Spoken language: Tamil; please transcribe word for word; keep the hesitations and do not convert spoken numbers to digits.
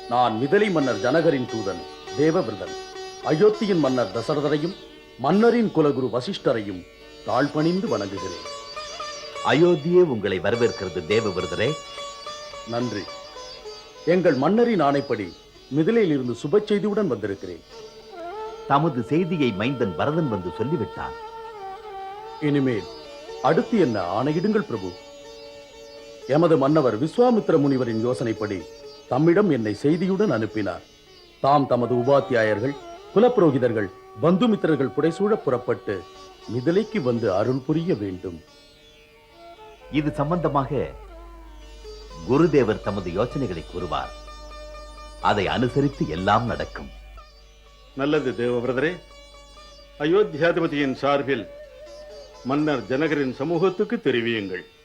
நான் மிதிலை மன்னர் ஜனகரின் தூதன் தேவவிரதன். அயோத்தியின் மன்னர் தசரதரையும் மன்னரின் குலகுரு வசிஷ்டரையும் தாழ்பணிந்து வணங்குகிறேன். அயோத்தியே உங்களை வரவேற்கிறது தேவவிரதரே. நன்றி. எங்கள் மன்னரின் ஆணைப்படி மிதிலையில் இருந்து சுப செய்தியுடன் வந்திருக்கிறேன். தமது செய்தியை மைந்தன் பரதன் வந்து சொல்லிவிட்டான். இனிமேல் அடுத்து என்ன ஆணையிடுங்கள் பிரபு. எமது மன்னவர் விஸ்வாமித்திர முனிவரின் யோசனைப்படி தம்மிடம் என்னை செய்தியுடன் அனுப்பினார். தாம் தமது உபாத்தியாயர்கள், குலப்புரோகிதர்கள், பந்துமித்திரர்கள் புடைசூழ புறப்பட்டு மிதிலைக்கு வந்து அருள் புரிய வேண்டும். இது சம்பந்தமாக குருதேவர் தமது யோசனைகளை கூறுவார். அதை அனுசரித்து எல்லாம் நடக்கும். நல்லது தேவவிரதரே. அயோத்தியாதிபதியின் சார்பில் மன்னர் ஜனகரின் சமூகத்துக்கு தெரிவியுங்கள்.